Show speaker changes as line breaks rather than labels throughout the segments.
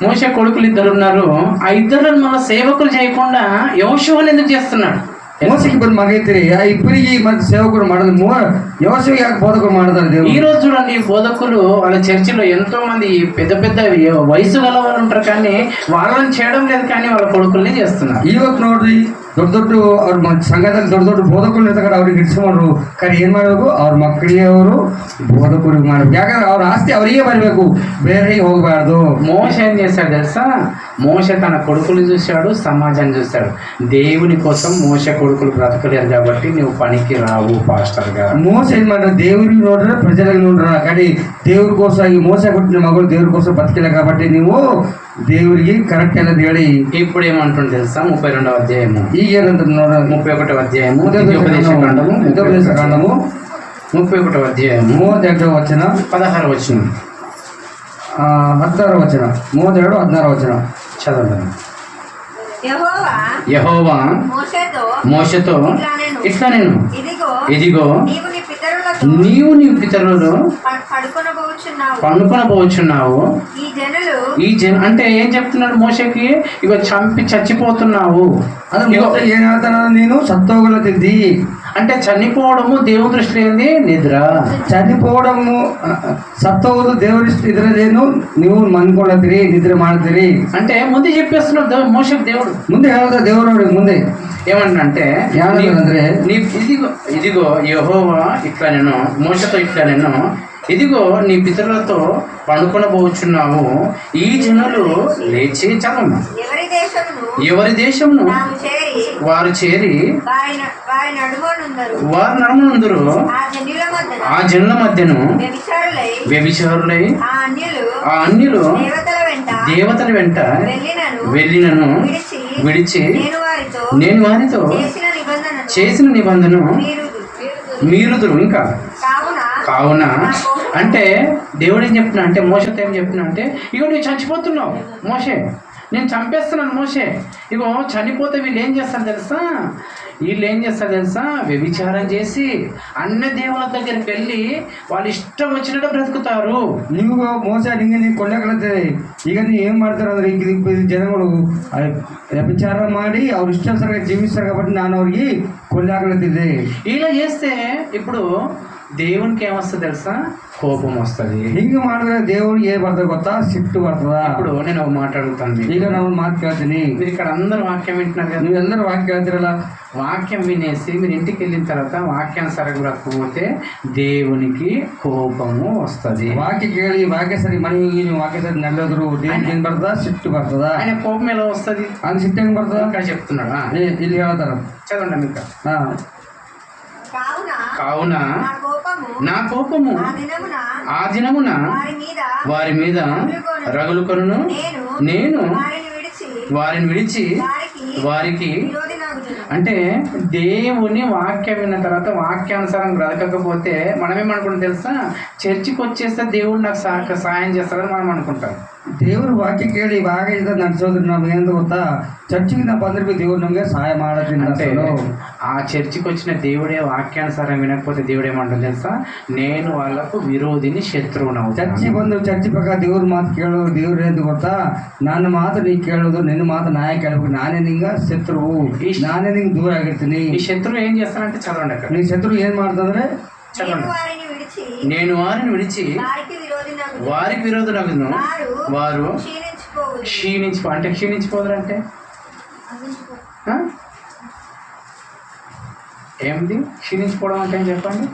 మోషే కొడుకులు 2 ఉన్నారు. ఆ 2 మన సేవకులు చేయకుండా యోషువని ఎందుకు చేస్తున్నాడు?
ಮೋಸಕ್ಕೆ ಇಬ್ಬರು ಮಗ ಐತ್ರಿ ಇಬ್ಬರಿಗೆ ಮತ್ತೆ ಸೇವಕರು ಮಾಡೋದು ಯೋಸೇಫ್ ಯಾಕೆ ಬೋಧಕರು ಮಾಡ್ತಾರೆ?
ఈ రోజు చూడండి, బోధకులు వాళ్ళ చర్చిలో ఎంతో మంది పెద్ద పెద్ద వయసు గల వాళ్ళు ఉంటారు, కానీ వాళ్ళని చేయడం లేదు, కానీ వాళ్ళ కొడుకుల్ని చేస్తున్నారు.
ಇವತ್ತು ನೋಡ್ರಿ ದೊಡ್ಡ ದೊಡ್ಡ ಅವ್ರ ಸಂಘದಲ್ಲಿ ದೊಡ್ಡ ದೊಡ್ಡ ಬೋಧಕರು ಇರ್ತಾರೆ, ಅವ್ರಿಗೆ ಇಡ್ಸ್ಕೊಂಡ್ರು. కానీ ಏನ್ ಮಾಡ್ಬೇಕು? ಅವ್ರ ಮಕ್ಕಳಿಗೆ ಅವರು ಬೋಧಕರಿಗೆ ಮಾಡ್ಬೇಕು. ಯಾಕಂದ್ರೆ ಅವ್ರ ಆಸ್ತಿ ಅವರಿಗೆ ಬರಬೇಕು, ಬೇರೆ ಹೋಗಬಾರ್ದು.
మోషే ఏం చేశాడు తెలుసా? మోషే తన కొడుకులు చూశాడు, సమాజాన్ని చూశాడు. దేవుని కోసం మోషే కొడుకులు బ్రతకలేరు కాబట్టి నువ్వు పనికి రావు పాస్టర్ గా.
మోస ఏం ಮಾಡ್ರೆ దేవుడిని ನೋಡ್ರೆ ప్రజలకు ನೋಡ್ರ, కానీ దేవుడి కోసం ఈ మోస కొట్టిన మగలు దేవుడి కోసం బతికలే కాబట్టి నువ్వు దేవుడికి కరెక్ట్ అనేది ಹೇಳಿ.
ఇప్పుడు ఏమంటుంది తెలుసా? 32వ అధ్యాయము
ಈಗ ಏನಂತ ನೋಡ
31వ అధ్యాయము
31వ
అధ్యాయము
32వ వచನ
16వ వచనం
16వ వచన 32 16వ వచన
చదవండి. యెహోవా మోషేతో ఇట్లా నేను ఇదిగో నీవు నీ పితరులను పండుకొనబోచున్నావు. ఈ జన అంటే ఏం చెప్తున్నాడు మోషేకి? ఇగో చంపి చచ్చిపోతున్నావు.
ఏం ಹೇಳ್ತಾನ? నేను సత్తోగులతిద్ది
అంటే చనిపోవడము దేవుని దృష్టిలో ఏంది? నిద్ర.
చనిపోవడము సత్తోగులు దేవుడి నిద్రలేను, నువ్వు మనుకోలతిరి నిద్ర ಮಾಡ್ತೀರಿ
అంటే ముందే చెప్పేస్తున్నాడు మోషేకి దేవుడు.
ముందే ಹೇಳ್ದ దేవుడు ముందే
ఏమంటే
ಅಂದ್ರೆ
ఇదిగో యెహోవా ఇట్లా నేను మోషతో ఇట్లా నేను ఇదిగో నీ పితరులతో పండుకొనబోచున్నావు. ఈ జనులు లేచి చదవమ్మా. ఎవరి దేశమును వారు చేరి వారు నడుమనుందరు. ఆ జనుల మధ్యను వ్యభిచారులై ఆ అన్యులు దేవతల వెంట వెళ్ళినను విడిచి నేను వారితో చేసిన నిబంధన మీరుదురు. ఇంకా కావున అంటే దేవుడు ఏం చెప్తున్నా అంటే మోషతో ఏం చెప్తున్నా అంటే ఇగో నువ్వు చచ్చిపోతున్నావు మోషే, నేను చంపేస్తున్నాను మోషే. ఇగో చనిపోతే వీళ్ళు ఏం చేస్తారు తెలుసా? వ్యభిచారం చేసి అన్న దేవుల దగ్గరికి వెళ్ళి వాళ్ళు ఇష్టం వచ్చినట్టు బ్రతుకుతారు.
ನೀವು ಮೋಸ ನಿಂಗೆ ನೀವು ಕೊಳ್ಳಕಳತ್ತೆ. ಈಗ ನೀವು ಏನ್ ಮಾಡ್ತಾರೆ ಅಂದ್ರೆ ಈಗ ಜನಗಳು ವ್ಯಭಿಚಾರ ಮಾಡಿ ಅವ್ರ ಇಷ್ಟಾನುಸಾರ ಜೀವಿಸ್ತಾರೆ కాబట్టి ನಾನು ಅವ್ರಿಗೆ కొల్లాకలతిద్దే.
ఇలా చేస్తే ఇప్పుడు దేవునికి ఏమొస్తుంది తెలుసా? కోపం వస్తుంది.
ಹಿಂಗೆ ಮಾಡಿದ್ರೆ దేవుడికి ఏ పడుతుంది ಗೊತ್ತಾ? సిట్టు పడుతుందా?
ఇప్పుడు నేను ఒక మాట అడుగుతాను.
ಈಗ ನಾವು ಮಾತು ಕೇಳ್ತೀನಿ.
మీరు ఇక్కడ అందరూ వాక్యం వింటున్నారు కదా,
మీరందరూ వాక్యం ಕೇಳ್ತಿರಲ್ಲ.
వాక్యం వినేసి మీరు ఇంటికి వెళ్ళిన తర్వాత వాక్యానుసారం రాకపోతే దేవునికి కోపము వస్తుంది.
వాక్య కేಳಿ వాక్య సరి మನೆಗೆ ನೀವು ವಾಕ್ಯ ಸರಿ ನಡೆದ್ರು దేవునికి ఏం పడుతుందా? సిట్టు పడుతుందా?
ఆయన కోపం ఎలా వస్తుంది?
ఆయన సిట్టు ఏం పడుతుందా?
ఇక్కడ చెప్తున్నాడా?
ಇಲ್ಲಿ ಹೇಳ್తారు,
చదవండి మీకు. కావున నా కోపము ఆ దినమున వారి మీద రగులుకొను, నేను వారిని విడిచి వారికి అంటే దేవుని వాక్యం విన్న తర్వాత వాక్యానుసారం బ్రతకకపోతే మనమేమనుకుంటాం తెలుసా? చర్చికి వచ్చేస్తే దేవుడు నాకు సహాయం చేస్తారని మనం అనుకుంటాం.
ದೇವರು ವಾಕ್ಯ ಕೇಳಿ ಇವಾಗ ನಡೆಸೋದ್ರ ನಮ್ಗೆ ಏನು ಗೊತ್ತಾ? చర్చికి నా ಬಂದ್ರೆ దేవుడు ನಮಗೆ ಸಹಾಯ ಮಾಡೋದ್ರಿಂದ
అంటే ఆ చర్చికి వచ్చిన దేవుడే వాక్యానుసారం వినకపోతే దేవుడు ఏమంటారు తెలుసా? నేను వాళ్ళకు విరోధిని శత్రువును.
ಚರ್ಚಿ ಬಂದು ಚರ್ಚಿ ಪ್ರಕಾರ ದೇವ್ರ ಮಾತು ಕೇಳೋದು ದೇವ್ರು ಏನು ಗೊತ್ತಾ? ನನ್ನ ಮಾತು ನೀ ಕೇಳೋದು, ನಿನ್ನ ಮಾತು ನಾಯ ಕೇಳಬೇಕು, ನಾನೇ ನಿಂಗ ಶತ್ರುವು, ನಾನೇ ನಿಂಗೆ ದೂರ ಆಗಿರ್ತೀನಿ.
ఈ శత్రువు ఏం చేస్తానంటే చదవండి అక్కడ.
నీ శత్రువు ఏం ಮಾಡ್ತಂದ್ರೆ
చదవండి. నేను వారిని విడిచి వారికి విరోధులగును, వారు అంటే క్షీణించిపోదురంటే ఏమిటి క్షీణించిపోవడం అంటే ఏం చెప్పండి?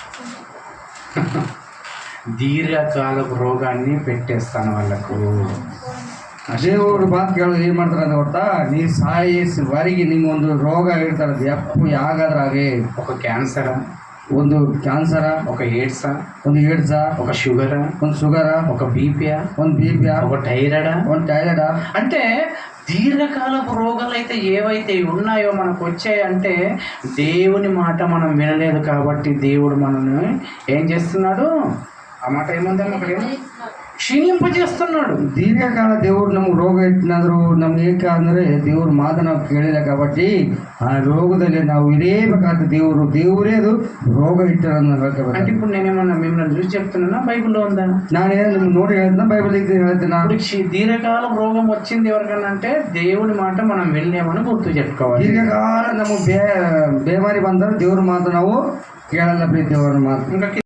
దీర్ఘకాలపు రోగాన్ని పెట్టేస్తాను వాళ్ళకు.
దేవుడు ಮಾತು ಕೇಳೋದು ಏನು ಮಾಡ್ತಾರೆ ಅಂತ ಗೊತ್ತಾ? ನೀ ಸಾಯಿಸುವವರೆಗೆ ನಿಮ್ಗೊಂದು ರೋಗ ಇಡ್ತಾರೆ. ಅದು ಎಪ್ಪು ಯಾಗಾದ್ರಾಗೆ
ఒక క్యాన్సరా,
ಒಂದು ಕ್ಯಾನ್ಸರಾ,
ఒక ఎయిడ్సా,
ಒಂದು ಏಡ್ಸಾ,
ఒక షుగరా,
ಒಂದು ಶುಗರಾ,
ఒక బీపీయా,
ಒಂದು బీపీయా,
ఒక థైరాయిడా,
ಒಂದು థైరాయిడా.
అంటే దీర్ఘకాలపు రోగాలు అయితే ఏవైతే ఉన్నాయో మనకు వచ్చాయంటే దేవుని మాట మనం వినలేదు కాబట్టి దేవుడు మనల్ని ఏం చేస్తున్నాడు? ఆ మాట ఏముందమ్మా అక్కడ? ಕ್ಷೀಣಿಂಪಜೇస్తున్నాడు.
ದೀರ್ಘಕಾಲ ದೇವರು ನಮ್ಗೆ ರೋಗ ಇಟ್ಟಿನಾದ್ರು ನಮ್ಗೆ ಏಕೆ ಅಂದರೆ ದೇವ್ರ ಮಾತು ನಾವು ಕೇಳಿಲ್ಲ కాబట్టి ಆ ರೋಗದಲ್ಲಿ ನಾವು ಇರಬೇಕಾದ ದೇವರೇ ಅದು ರೋಗ ಇಟ್ಟರನ್ನ
అంటే ఇప్పుడు నేనేమన్నా మిమ్మల్ని చూసి చెప్తున్నానా, బైబిల్లో ఉందా?
ನಾನೇನು ನಿಮ್ಗೆ ನೋಡಿ ಹೇಳ್ತಾ ಬೈಬಲ್ ಹೇಳ್ತೀನಿ.
ఇప్పుడు దీర్ఘకాలం రోగం వచ్చింది ఎవరికన్నా అంటే దేవుని మాట మనం వెళ్ళామని గుర్తు చెప్పుకోవాలి.
ದೀರ್ಘಕಾಲ ನಮಗೆ ಬೇಮಾರಿ ಬಂದರೆ ದೇವ್ರ ಮಾತು ನಾವು ಕೇಳಲ್ಲ, ಪ್ರೀತಿ ದೇವರ ಮಾತು.
ఇంకా